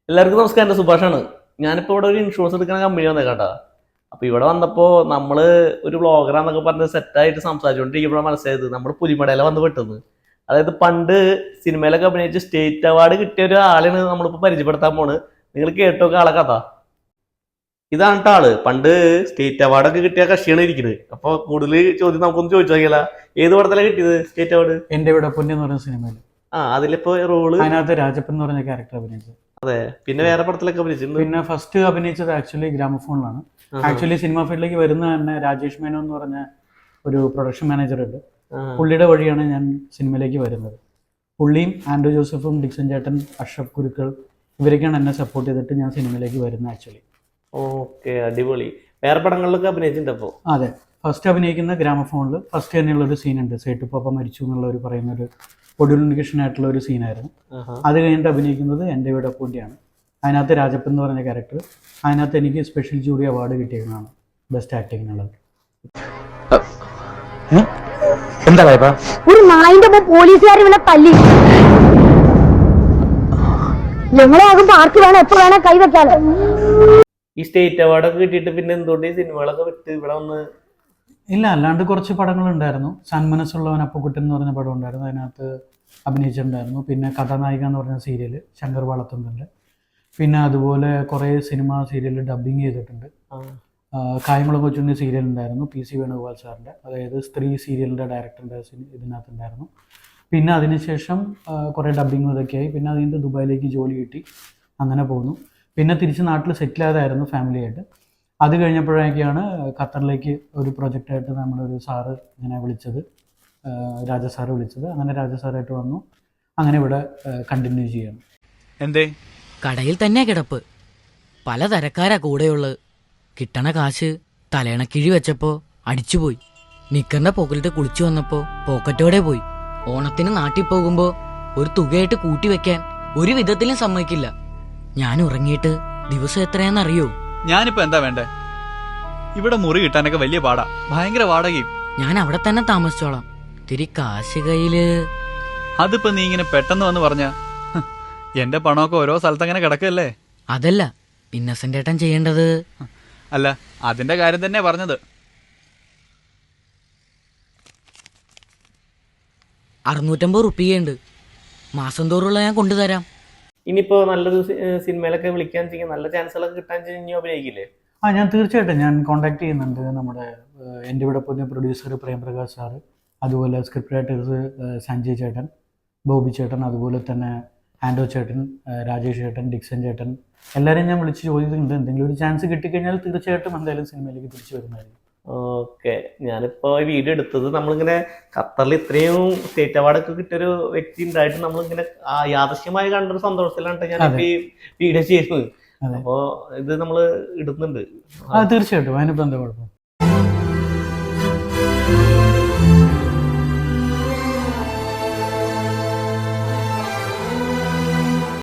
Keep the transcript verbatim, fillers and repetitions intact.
എല്ലാവർക്കും നമസ്കാരം. എൻ്റെ സുഭാഷാണ്. ഞാനിപ്പോൾ ഇവിടെ ഒരു ഇൻഷുറൻസ് എടുക്കുന്ന കമ്പനി വന്നേക്കാട്ടാ. അപ്പോൾ ഇവിടെ വന്നപ്പോൾ നമ്മൾ ഒരു വ്ളോഗറാന്നൊക്കെ പറഞ്ഞ് സെറ്റായിട്ട് സംസാരിച്ചുകൊണ്ടിരിക്കുമ്പോഴാണ് മനസ്സിലായത് നമ്മൾ പുലിമടയില വന്ന് പെട്ടെന്ന്. അതായത് പണ്ട് സിനിമയിലൊക്കെ അഭിനയിച്ച് സ്റ്റേറ്റ് അവാർഡ് കിട്ടിയ ഒരു ആളാണ് നമ്മളിപ്പോൾ പരിചയപ്പെടുത്താൻ പോണ്. നിങ്ങൾ കേട്ടോക്കെ ആളെ കഥ. ഇതാണ് ട്ടോ ആള്. പണ്ട് സ്റ്റേറ്റ് അവാർഡൊക്കെ കിട്ടിയ കക്ഷിയാണ് ഇരിക്കുന്നത്. അപ്പോൾ കൂടുതൽ ചോദ്യം നമുക്കൊന്ന് ചോദിച്ചു നോക്കിയാലോ. ഏത് പടത്തിലാണ് കിട്ടിയത് സ്റ്റേറ്റ് അവാർഡ്? എന്റെ ഇവിടെ പൊന്നി എന്ന് പറയുന്ന സിനിമയിൽ. ആ അതിലിപ്പോ റോള് അതിനകത്ത് രാജപ്പൻ എന്ന് പറഞ്ഞ ക്യാരക്ടർ അഭിനയിച്ചത്. അതെ. പിന്നെ വേറെ പടത്തിലൊക്കെ അഭിനയിച്ചിട്ടുണ്ട്. പിന്നെ ഫസ്റ്റ് അഭിനയിച്ചത് ആക്ച്വലി ഗ്രാമഫോണിലാണ്. ആക്ച്വലി സിനിമ ഫീൽഡിലേക്ക് വരുന്ന തന്നെ രാജേഷ് മേനോ എന്ന് പറഞ്ഞ ഒരു പ്രൊഡക്ഷൻ മാനേജർ ഉണ്ട്. പുള്ളിയുടെ വഴിയാണ് ഞാൻ സിനിമയിലേക്ക് വരുന്നത്. പുള്ളിയും ആൻഡ്രൂ ജോസഫും ഡിക്സൺ ചേട്ടൻ, അഷ്റഫ് കുരുക്കൾ ഇവരൊക്കെയാണ് എന്നെ സപ്പോർട്ട് ചെയ്തിട്ട് ഞാൻ സിനിമയിലേക്ക് വരുന്നത് ആക്ച്വലി. ഓക്കെ, അടിപൊളി. വേറെ പടങ്ങളിലൊക്കെ അഭിനയിച്ചിട്ടുണ്ട് അപ്പോൾ? അതെ, ഫസ്റ്റ് അഭിനയിക്കുന്ന ഗ്രാമഫോണിൽ ഫസ്റ്റ് തന്നെയുള്ള ഒരു സീനുണ്ട്. സേട്ടുപ്പാപ്പ മരിച്ചു എന്നുള്ള ഒരു പറയുന്ന ഒരു ഒഡ്യൂണിക്കേഷൻ ആയിട്ടുള്ള ഒരു സീനായിരുന്നു. അത് കഴിഞ്ഞിട്ട് അഭിനയിക്കുന്നത് എൻ്റെ വീട് അപ്പൂൻ്റെയാണ്. അതിനകത്ത് രാജപ്പൻ എന്ന് പറഞ്ഞ ക്യാരക്ടർ. അതിനകത്ത് എനിക്ക് സ്പെഷ്യൽ ജൂറി അവാർഡ് കിട്ടിയതാണ് ബെസ്റ്റ് ആക്ടിങ്ങിനുള്ളത്. എന്താ ഒരു നായിന്റെ പോലീസുകാർ ഇവിടെ തല്ലി. ഞങ്ങളെ ആകുമ്പോ ആർക്ക് വേണം എപ്പോ വേണം കൈവയ്ക്കാലോ. ഈ സ്റ്റേറ്റ് അവാർഡൊക്കെ കിട്ടിയിട്ട് പിന്നെ എന്തുകൊണ്ട് ഈ സിനിമകളൊക്കെ വിട്ട് ഇവിടെ വന്ന്? ഇല്ല, അല്ലാണ്ട് കുറച്ച് പടങ്ങളുണ്ടായിരുന്നു. സന്മനസ്സുള്ളവൻ അപ്പുക്കുട്ടൻ എന്ന് പറഞ്ഞ പടം ഉണ്ടായിരുന്നു, അതിനകത്ത് അഭിനയിച്ചിട്ടുണ്ടായിരുന്നു. പിന്നെ കഥാനായിക എന്ന് പറഞ്ഞ സീരിയൽ ശങ്കർ വളത്തുന്നുണ്ട്. പിന്നെ അതുപോലെ കുറേ സിനിമ സീരിയൽ ഡബ്ബിങ് ചെയ്തിട്ടുണ്ട്. കായംകുളം കൊച്ചുണ്ണി സീരിയൽ ഉണ്ടായിരുന്നു, പി സി വേണുഗോപാൽ സാറിൻ്റെ, അതായത് സ്ത്രീ സീരിയലിൻ്റെ ഡയറക്ടറിൻ്റെ ഇതിനകത്തുണ്ടായിരുന്നു. പിന്നെ അതിനുശേഷം കുറേ ഡബ്ബിങ് ഇതൊക്കെയായി. പിന്നെ അതിൻ്റെ ദുബായിലേക്ക് ജോലി കിട്ടി, അങ്ങനെ പോകുന്നു. പിന്നെ തിരിച്ച് നാട്ടിൽ സെറ്റിലായതായിരുന്നു ഫാമിലിയായിട്ട്. അത് കഴിഞ്ഞപ്പോഴേക്കാണ് ഖത്തറിലേക്ക് ഒരു പ്രൊജക്റ്റായിട്ട് നമ്മളൊരു സാറ് ഇങ്ങനെ വിളിച്ചത്, രാജ സാറ് വിളിച്ചത്. അങ്ങനെ രാജ സാറായിട്ട് വന്നു. അങ്ങനെ ഇവിടെ കണ്ടിന്യൂ ചെയ്യണം. എന്തേ? കടയിൽ തന്നെ കിടപ്പ്, പലതരക്കാരാ കൂടെയുള്ളത്. കിട്ടണ കാശ് തലേണക്കിഴി വെച്ചപ്പോ അടിച്ചുപോയി. നിക്കറിന്റെ പോക്കറ്റിട്ട് കുളിച്ചു വന്നപ്പോ പോക്കറ്റോടെ പോയി. ഓണത്തിന് നാട്ടിൽ പോകുമ്പോ ഒരു തുകയായിട്ട് കൂട്ടി വെക്കാൻ ഒരു വിധത്തിലും സമ്മതിക്കില്ല. ഞാൻ ഉറങ്ങിയിട്ട് ദിവസം എത്രയാന്നറിയോ? ഞാനിപ്പോ എന്താ വേണ്ടേ? ഇവിടെ മുറി കിട്ടാനൊക്കെ വലിയ പാടാ, ഭയങ്കര വാടകയും. ഞാൻ അവിടെ തന്നെ താമസിച്ചോളാം. തിരി കാശ് കയ്യില്. അതിപ്പോ നീ ഇങ്ങനെ പെട്ടെന്ന് വന്ന് പറഞ്ഞ എന്റെ പണമൊക്കെ ഓരോ സ്ഥലത്ത് അങ്ങനെ കിടക്കല്ലേ. അതല്ല ഇന്നസെന്റ് ഏട്ടൻ ചെയ്യേണ്ടത്. അല്ല, അതിന്റെ കാര്യം തന്നെ പറഞ്ഞത്. അറുന്നൂറ്റമ്പത് റുപ്യുണ്ട്, മാസം തോറുള്ള ഞാൻ കൊണ്ടുതരാം. ഇനിയിപ്പോ നല്ലൊരു സിനിമയിലൊക്കെ വിളിക്കാൻ ചെയ്യാൻ നല്ല ചാൻസുകളൊക്കെ കിട്ടാൻ ഇനി അഭിനയിക്കില്ലേ? ആ, ഞാൻ തീർച്ചയായിട്ടും ഞാൻ കോൺടാക്ട് ചെയ്യുന്നുണ്ട്. നമ്മുടെ എൻ്റെ ഇവിടെ പുതിയ പ്രൊഡ്യൂസർ പ്രേംപ്രകാശ് സാറ്, അതുപോലെ സ്ക്രിപ്റ്റ് റൈറ്റേഴ്സ് സഞ്ജയ് ചേട്ടൻ, ബോബി ചേട്ടൻ, അതുപോലെ തന്നെ ആൻഡോ ചേട്ടൻ, രാജേഷ് ചേട്ടൻ, ഡിക്സൺ ചേട്ടൻ, എല്ലാവരെയും ഞാൻ വിളിച്ച് ചോദിക്കുന്നുണ്ട്. എന്തെങ്കിലും ഒരു ചാൻസ് കിട്ടിക്കഴിഞ്ഞാൽ തീർച്ചയായിട്ടും എന്തായാലും സിനിമയിലേക്ക് തിരിച്ചു വരുന്നതായിരിക്കും. ഓക്കെ. ഞാനിപ്പോൾ ഈ വീഡിയോ എടുത്തത് നമ്മളിങ്ങനെ ഖത്തറിൽ ഇത്രയും സ്റ്റേറ്റ് അവാർഡൊക്കെ കിട്ടിയൊരു വ്യക്തി ഉണ്ടായിട്ട് നമ്മളിങ്ങനെ യാദൃശ്യമായി കണ്ടൊരു സന്തോഷത്തിലാണ് ഞാനിപ്പോൾ ഈ വീഡിയോ ചെയ്യുന്നത്. അപ്പോൾ ഇത് നമ്മൾ ഇടുന്നുണ്ട്. ആ, തീർച്ചയായിട്ടും. അതിനിപ്പോൾ എന്താ കുഴപ്പം?